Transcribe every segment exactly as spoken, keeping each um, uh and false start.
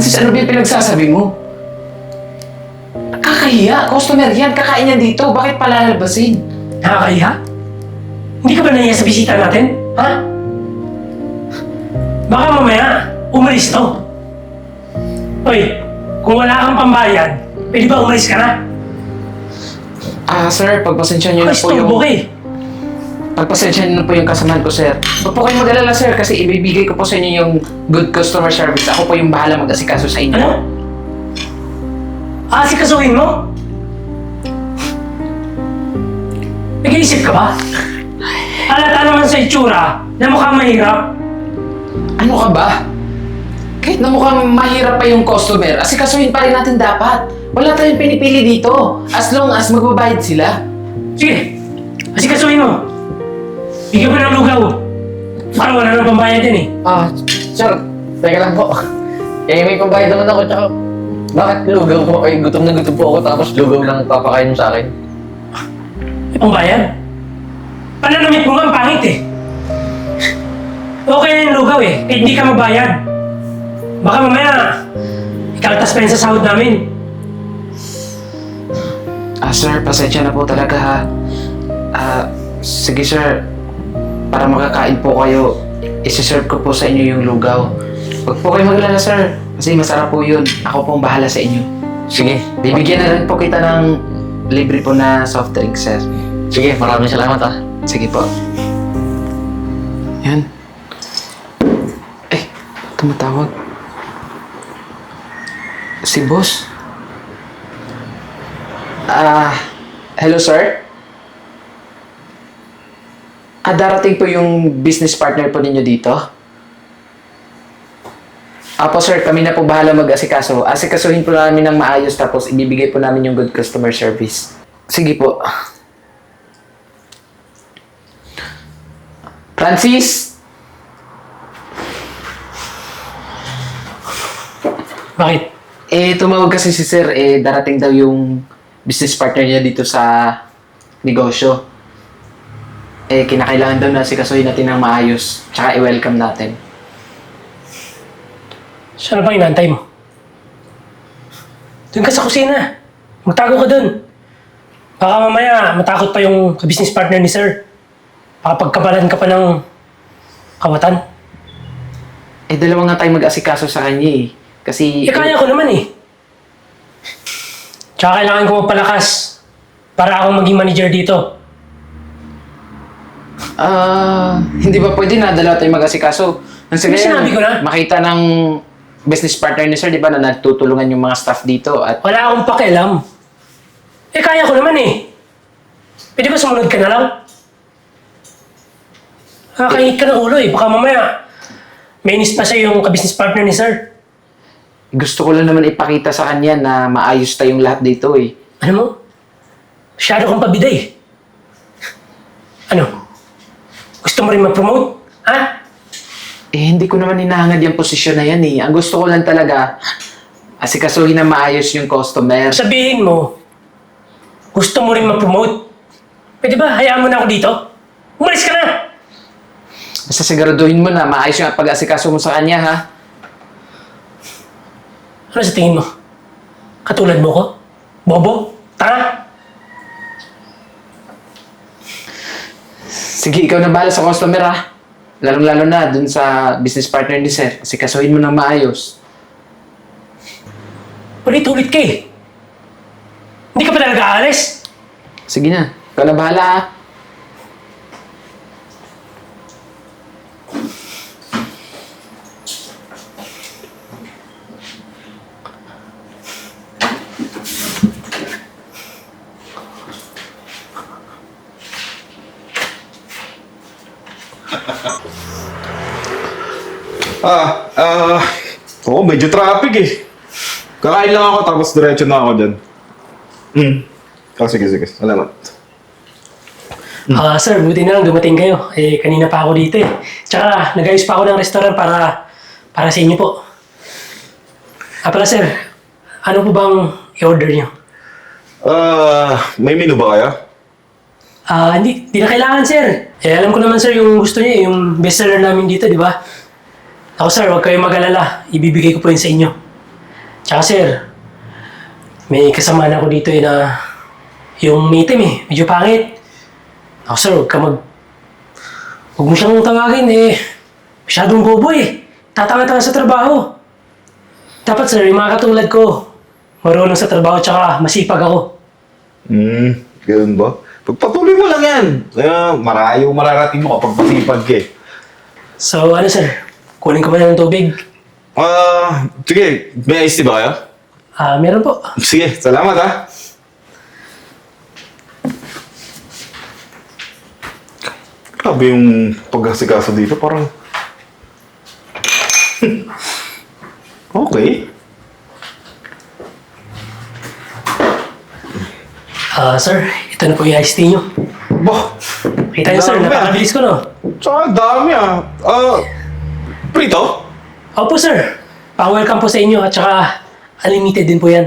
Francis, ano ba yung pinagsasabi mo? Kakahiya. Customer yan. Kakain yan dito. Bakit palalabasin? Nakakahiya? Hindi ka ba nahiya sa bisita natin? Ha? Baka mamaya, umalis to. Hoy, kung wala kang pambayad, pwede ba umalis ka na? Ah, sir, pagpasensya niyo na Ay, po yung... stumbo ka eh. Pagpasensya niyo na po yung kasamahan ko, sir. Huwag po kayong mag-alala, sir, kasi ibibigay ko po sa inyo yung good customer service. Ako po yung bahala mag-asikaso sa inyo. Ano? Aasikasuhin mo? Nag-iisip ka ba? Halata naman sa itsura na mukhang mahirap. Ano ka ba? Kahit na mukhang mahirap pa yung customer, asikasuhin pa rin natin dapat. Wala tayong pinipili dito. As long as magbabayad sila. Sige, asikasuhin mo. Bigyan mo ng lugaw. Parang wala nang pambayad yan eh. Ah, sir, teka lang po. Eh, may pambayad naman ako, tsaka bakit lugaw po? Ay, gutom na gutom po ako, tapos lugaw lang papakain mo sa akin. May pambayad? Pananamit mo nga ang pangit eh. Okay na yung lugaw eh, kahit hindi ka magbayad. Baka mamaya, ikaltas pa yun sa sahod namin. Ah, sir, pasensya na po talaga ha. Ah, sige sir, para makakain po kayo, isi-serve ko po sa inyo yung lugaw. Huwag po kayo maglala sir, kasi masarap po yun. Ako pong bahala sa inyo. Sige, Bibigyan na rin po kita ng libre po na soft drink, sir. sige, maraming salamat ah. Sige po. Yan. Eh, tumatawag. Si boss. Ah, hello sir? Ah, darating po yung business partner po ninyo dito? Apo sir, kami na po bahala mag-asikaso. Asikasuhin po namin ng maayos tapos ibibigay po namin yung good customer service. Sige po. Francis! Bakit? Eh, tumawag kasi si sir, eh, darating daw yung business partner niya dito sa negosyo. Eh, kinakailangan daw na sikasuhin natin ng maayos, tsaka i-welcome natin. Saan na bang inantay mo? Doon ka sa kusina. Magtago ka doon. Baka mamaya matakot pa yung business partner ni sir. Baka pagkabalan ka pa ng kawatan. Eh, dalawa nga tayo mag-asikaso sa kanya eh. Kasi... Eh, kaya ko naman eh. Tsaka kailangan ko magpalakas para akong maging manager dito. Ah, hindi ba pwede na dalawa tayo mag-asikaso? Nang Hindi, sinabi ko na. Makita ng business partner ni sir, di ba, na nagtutulungan yung mga staff dito at... Wala akong pakialam. Eh, kaya ko naman eh. Pwede ba sumunod ka na lang? Nakakaingit ka ng ulo eh. Baka mamaya may inis pa siya yung ka-business partner ni sir. Gusto ko lang naman ipakita sa kanya na maayos tayong lahat dito eh. Ano mo? Masyado kang pabida eh. Ano? Gusto mo rin ma-promote? Ha? Eh, hindi ko naman hinahangad yung posisyon na yan eh. Ang gusto ko lang talaga, asikasuhin na maayos yung customer. Sabihin mo, gusto mo rin ma-promote? Pwede ba hayaan mo na ako dito? Umalis ka na! Basta siguraduhin mo na maayos yung pag-asikaso mo sa kanya, ha? Ano sa tingin mo? Katulad mo ko? Bobo? Tanga? Sige, ikaw na bahala sa customer, ha? Lalong-lalo na dun sa business partner ni sir. Asikasuhin mo ng maayos. Ulit-ulit ka eh. Hindi ka pa talaga aalis? Sige na, ikaw na bahala, ha? Ah, ah, oo, medyo traffic eh. Kakain lang ako tapos diretso na ako dyan. Hmm. Oh, sige, sige. Salamat. Ah, sir, buti na lang dumating kayo. Eh, kanina pa ako dito eh. Tsaka, nag-ayos pa ako ng restaurant para para sa inyo po. Ah, pala sir, ano po bang i-order niyo? Ah, may menu ba kaya? Ah, hindi, hindi na kailangan sir. Eh, alam ko naman sir yung gusto niyo, eh, yung bestseller namin dito, di ba? Ako sir, huwag kayong mag-alala. Ibibigay ko po yun sa inyo. Tsaka sir, may kasama na ako dito eh na yung meeting eh, medyo pangit. Ako sir, huwag ka mag... Huwag mo siyang tawagin eh. Masyadong bobo eh. Tatanga-tanga sa trabaho. Dapat sir, yung mga katulad ko, marunong sa trabaho tsaka masipag ako. Hmm, ganun ba? Pagpatuloy mo lang yan. Kaya marayo mararating mo kapag masipag ka eh. So ano sir, kunin ko ba ng tubig? Ah, sige. May iced tea ba kayo? Ah, meron po. Sige, salamat ha. Grabe yung pag-asikaso dito, parang... okay. Ah, sir, ito na po yung iced tea nyo. Bah! Kita niyo sir, Dami, ah. napakabilis ko no? Tsaka dami ah. Ah, prito? Opo sir, pa-welcome po sa inyo at saka unlimited din po yan.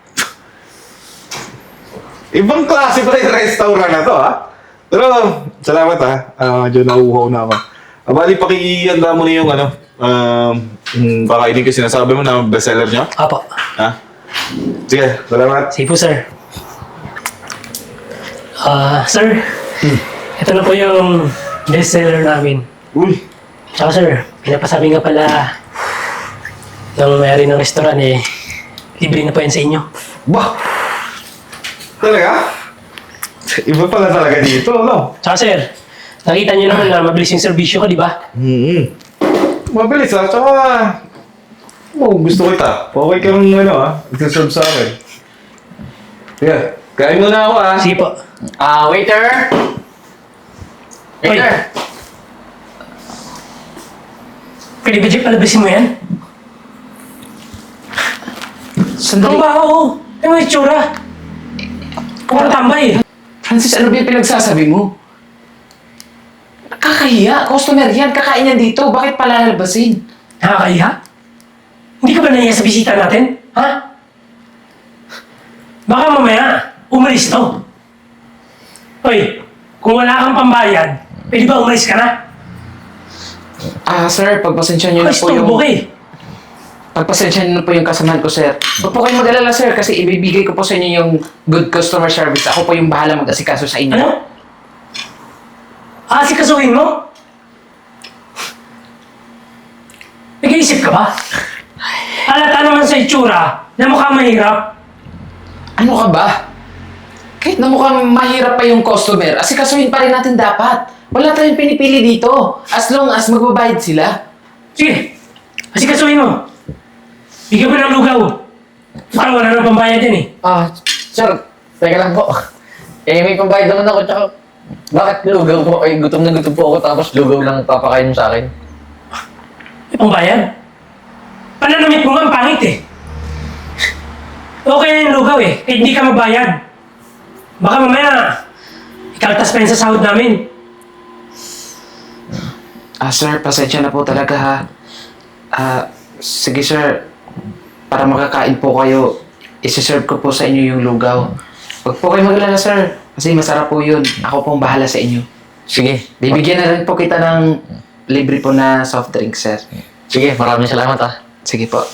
Ibang klase pala yung restaurant na to ha. Pero, salamat ha. Ah, medyo nauuhaw na ako. Ah, bali, pakihanda mo na yung ano, um, um, kakainin ko sinasabi mo na bestseller nyo. Opo. Ha? Sige, salamat. Sige po sir. Ah, sir, ito na po yung bestseller namin. Uy, Tsaka sir, pinapasabi nga pala ng may-ari ng restaurant eh, libre na po yan sa inyo. bah! Talaga? Iba pala talaga dito, no? Tsaka sir, nakita niyo naman na mabilis yung serbisyo ko, di ba? Hmm. Mabilis ha, tsaka... Oh, gusto kita. Okay ka ng ano ha, ito-serve sa akin. Sige, kain muna ako ha. Sige po. Ah, waiter! Waiter! Pwede ba Jeff, palabasin mo yan? Ang Sandali. baho! Ano yung itsura? Kung tambay eh. Francis, ano ba yung pinagsasabi mo? Nakakahiya. Customer yan. Kakain yan dito. Bakit pala lalabasin? Nakakahiya? Hindi ka ba nahiya sa bisita natin? Ha? Baka mamaya, umalis to. Hoy, kung wala kang pambayad, pwede ba umalis ka na? Ah, sir, pagpasensya niyo na Ay, po yung... storbo ka eh. Pagpasensya niyo na po yung kasamahan ko, sir. Huwag po kayong mag-alala, sir, kasi ibibigay ko po sa inyo yung good customer service. Ako po yung bahala mag-asikaso sa inyo. Ano? Aasikasuhin mo? Nag-iisip ka ba? Halata naman sa itsura na mukhang mahirap. Ano ka ba? Kahit na mukhang mahirap pa yung customer, asikasuhin pa rin natin dapat. Wala tayong pinipili dito. As long as magbabayad sila. Sige, asikasuhin mo. Bigyan mo ng lugaw. Parang wala nang pambayad yan eh. Ah, sir, teka lang po. Eh, may pambayad naman ako, tsaka... Bakit lugaw po? Ay, gutom na gutom po ako, tapos lugaw lang papakain mo sa akin. May pambayad? Pananamit mo nga ang pangit eh. Okay na yung lugaw eh, kahit hindi ka magbayad. Baka mamaya, ikaltas pa yun sa sahod namin. Ah, sir, pasensya na po talaga ha. Ah, sige sir, para makakain po kayo, isi-serve ko po sa inyo yung lugaw. Huwag po kayo mag-alala, sir. Kasi masarap po yun. Ako pong bahala sa inyo. Sige. Bibigyan na rin po kita ng libre po na soft drink, sir. Sige, maraming salamat ah. Sige po.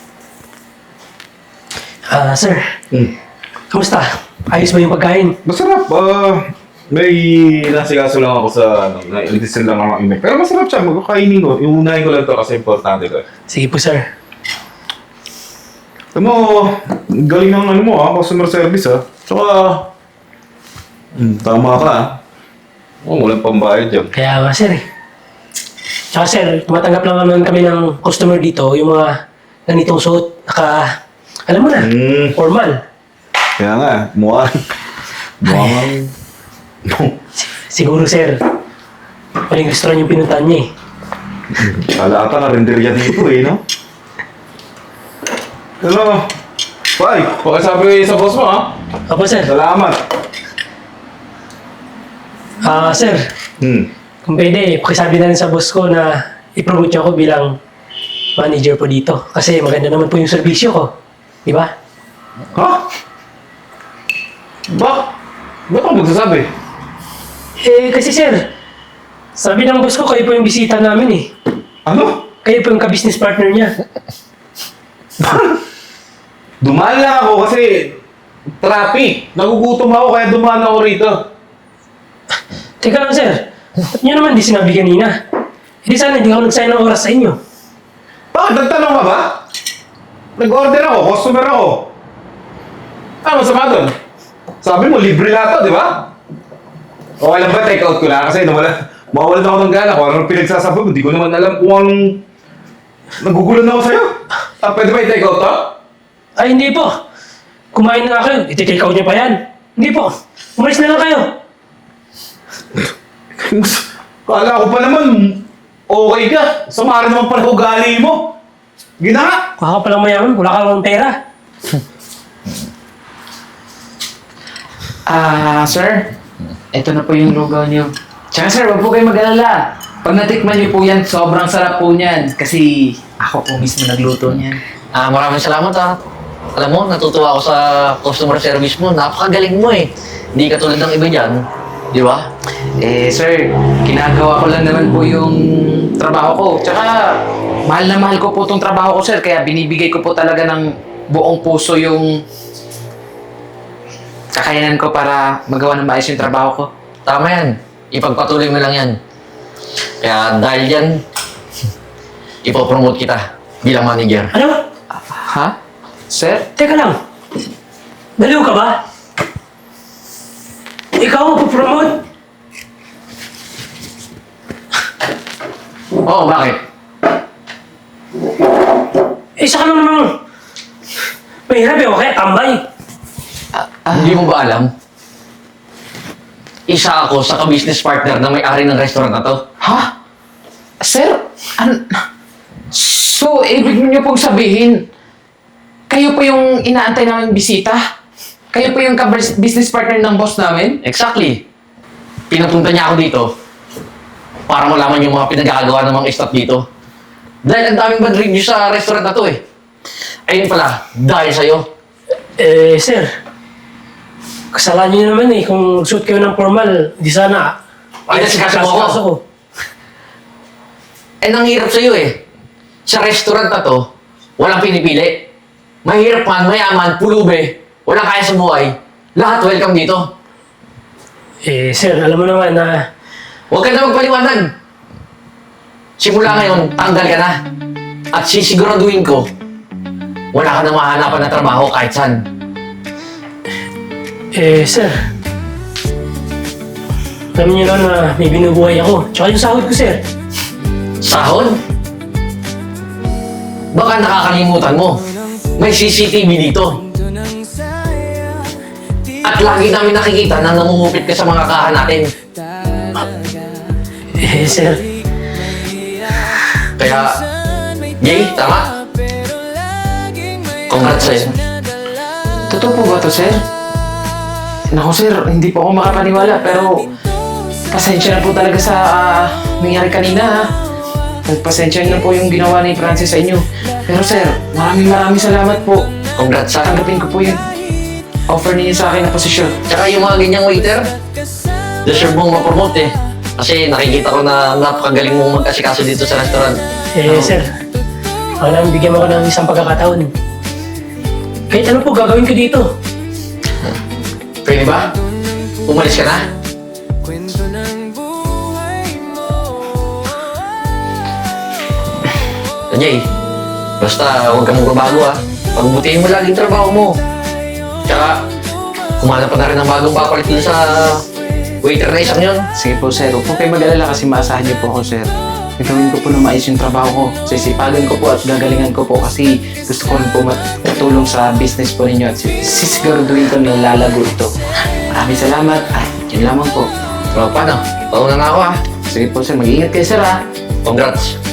Ah, sir, Hmm. kamusta? Ayos ba yung pagkain? Masarap. Ah, may nasikaso lang ako sa ano, na-listen lang ako imek. Pero masarap siya. Magkakainin ko. Iunahin ko lang to kasi importante ko. Sige po, sir. Alam mo, galing ng ano mo ah, customer service ah. Tsaka, hmm, tama ka ah. Oh, walang pambayad yan. Kaya nga, sir eh. Tsaka sir, tumatanggap lang naman kami ng customer dito, yung mga ganitong suot, naka, alam mo na, Hmm. formal. Kaya nga, mukha. Mukha Siguro, sir, maling restaurant yung pinuntahan niya eh. Kala ata na renderya dito eh, no? Hello? Bye! Pakisabi sa boss mo ah. Opo, sir. Salamat. Ah, sir, Hmm. kung pwede, pakisabi na rin sa boss ko na i-promote niyo ako bilang manager po dito. Kasi maganda naman po yung serbisyo ko. Di ba? Ha? Bak? Ba't ako magsasabi? Eh, kasi sir, sabi ng boss ko, kayo po yung bisita namin eh. Ano? Kayo po yung ka-business partner niya. Dumaan lang ako kasi traffic. Nagugutom ako kaya dumaan ako rito. Teka lang, sir. Ba't niyo naman di sinabi kanina? Hindi sana hindi ako nagsayang ng oras sa inyo. Bakit? Nagtanong ka ba? Nag-order ako, customer ako. Ano masama doon? Sabi mo, libre lahat to, di ba? O alam ba, take out ko na kasi nawala, mawawalan ako ng gana kung anong pinagsasabi mo. Hindi ko naman alam kung anong... Nagugulan ako sa'yo. Ah, pwede ba i-take out to? Ay, hindi po. Kumain na nga kayo. Iti-take out niyo pa yan. Hindi po. Umalis na lang kayo. Kala ko pa naman, okay ka. Sama rin naman pala ugali mo. Gina! Kuha ka palang mayaman. Wala ka lang pera. Ah, sir. Ito na po yung lugaw niyo. Tsaka sir, wag po kayo mag-alala. Pag natikman niyo po yan, sobrang sarap po niyan. Kasi ako po mismo nagluto niyan. Ah, maraming salamat ah. Alam mo, natutuwa ako sa customer service mo. Napakagaling mo eh. Hindi ka tulad ng iba dyan. Di ba? Eh, sir, ginagawa ko lang naman po yung trabaho ko. Tsaka, mahal na mahal ko po itong trabaho ko, sir. Kaya binibigay ko po talaga ng buong puso yung kakayanan ko para magawa ng maayos yung trabaho ko. Tama yan. Ipagpatuloy mo lang yan. Kaya dahil yan, ipopromote kita bilang manager. Ano? Ha? Sir? Teka lang. Baliw ka ba? Ikaw ang pupromote? Oo, bakit? Eh, saka lang namang mahirap eh. O kaya tambay. Hindi mo ba alam? Isa ako sa ka-business partner na may-ari ng restaurant na to. Ha? Sir? An so, ibig niyo pong sabihin, kayo po yung inaantay namin bisita? Kayo po yung ka-business partner ng boss namin? Exactly. Pinapunta niya ako dito para malaman yung mga pinagkakagawa ng mga staff dito. Dahil ang daming bad review sa restaurant na to eh. Ayun pala, dahil sa'yo. Eh, sir. Kasalanan niyo naman eh. Kung suit kayo ng formal, di sana. Inasikaso mo ako. Inasikaso ko. Eh, nanghirap sa'yo eh. Sa restaurant na to, walang pinipili. Mahirap man, mayaman, pulube, walang kaya sa buhay. Lahat welcome dito. Eh, sir, alam mo naman na... Huwag ka na magpaliwanag. Simula ngayon, tanggal ka na. At sisiguraduhin ko, wala ka na mahanapan na trabaho kahit saan. Eh, sir. Alam niyo naman na may binubuhay ako. Tsaka yung sahod ko, sir. Sahod? Baka nakakalimutan mo. May C C T V dito. At lagi namin nakikita na namumupit ka sa mga kahan natin. Eh, sir. Kaya, yay, tama? Congrats sa'yo. Totoo po ba to, sir? Naku, sir, hindi po ako makapaniwala, pero pasensya na po talaga sa ah, nangyari kanina, ha? Pasensya na po yung ginawa ni Francis sa inyo. Pero sir, maraming maraming salamat po. Congrats sa Tanggapin ko po yung offer ninyo sa akin na posisyon. Tsaka yung mga ganyang waiter, deserve mong ma-promote eh. Kasi nakikita ko na napakagaling mong mag-asikaso dito sa restaurant. Eh, sir. Baka naman bigyan mo ko ng isang pagkakataon. Kahit ano po gagawin ko dito. Pwede ba? Umalis ka na? Jay, basta huwag kang magbabago ah. Pagbutihin mo lagi yung trabaho mo. Tsaka, kumahanap pa na rin ng bagong papalit dun sa waiter na isang yun. Sige po, sir. Huwag po kayo mag-alala kasi maasahan niyo po ako, sir. Gagawin ko po na maayos yung trabaho ko. Sisipagan ko po at gagalingan ko po kasi gusto ko rin po matulong sa business po ninyo at sisiguraduhin ko na lalago ito. Maraming salamat. Ay, yun lamang po. So, paano? Pauna na ako ah. Sige po, sir. Mag-iingat kayo, sir, ha? Congrats.